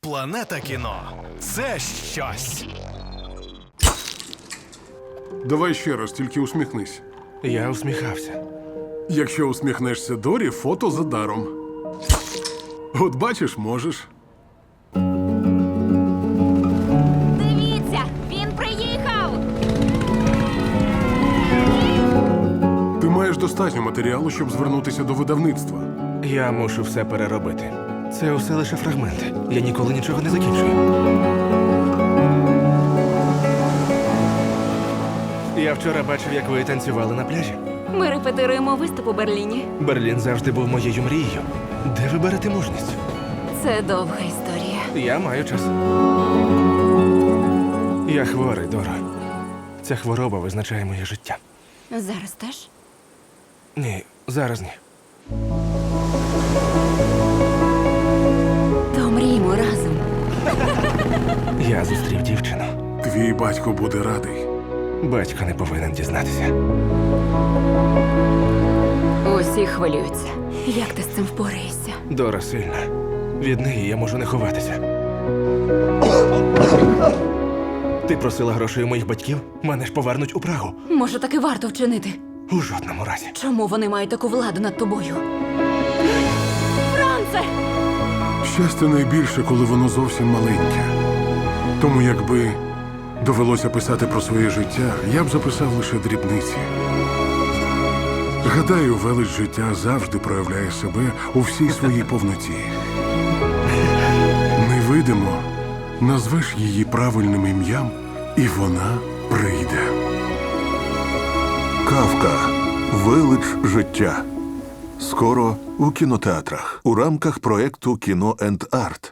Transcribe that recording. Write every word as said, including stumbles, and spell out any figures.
Планета кіно – це щось. Давай ще раз, тільки усміхнись. Я усміхався. Якщо усміхнешся Дорі, фото за даром. От бачиш, можеш. Дивіться, він приїхав! Ти маєш достатньо матеріалу, щоб звернутися до видавництва. Я мушу все переробити. Це усе лише фрагменти. Я ніколи нічого не закінчую. Я вчора бачив, як ви танцювали на пляжі. Ми репетируємо виступ у Берліні. Берлін завжди був моєю мрією. Де ви берете мужність? Це довга історія. Я маю час. Я хворий, Доро. Ця хвороба визначає моє життя. Зараз теж? Ні, зараз ні. То мріємо разом. Я зустрів дівчину. Твій батько буде радий. Батько не повинен дізнатися. Усі хвилюються. Як ти з цим впораєшся? Дора сильна. Від неї я можу не ховатися. Ти просила грошей у моїх батьків? Мене ж повернуть у Прагу. Може, таки варто вчинити? У жодному разі. Чому вони мають таку владу над тобою? Франце! Щастя найбільше, коли воно зовсім маленьке. Тому якби довелося писати про своє життя, я б записав лише дрібниці. Гадаю, велич життя завжди проявляє себе у всій своїй повноті. Невидимо назвеш її правильним ім'ям, і вона прийде. Кафка. Велич життя. Скоро у кінотеатрах у рамках проекту «Кіно енд Арт».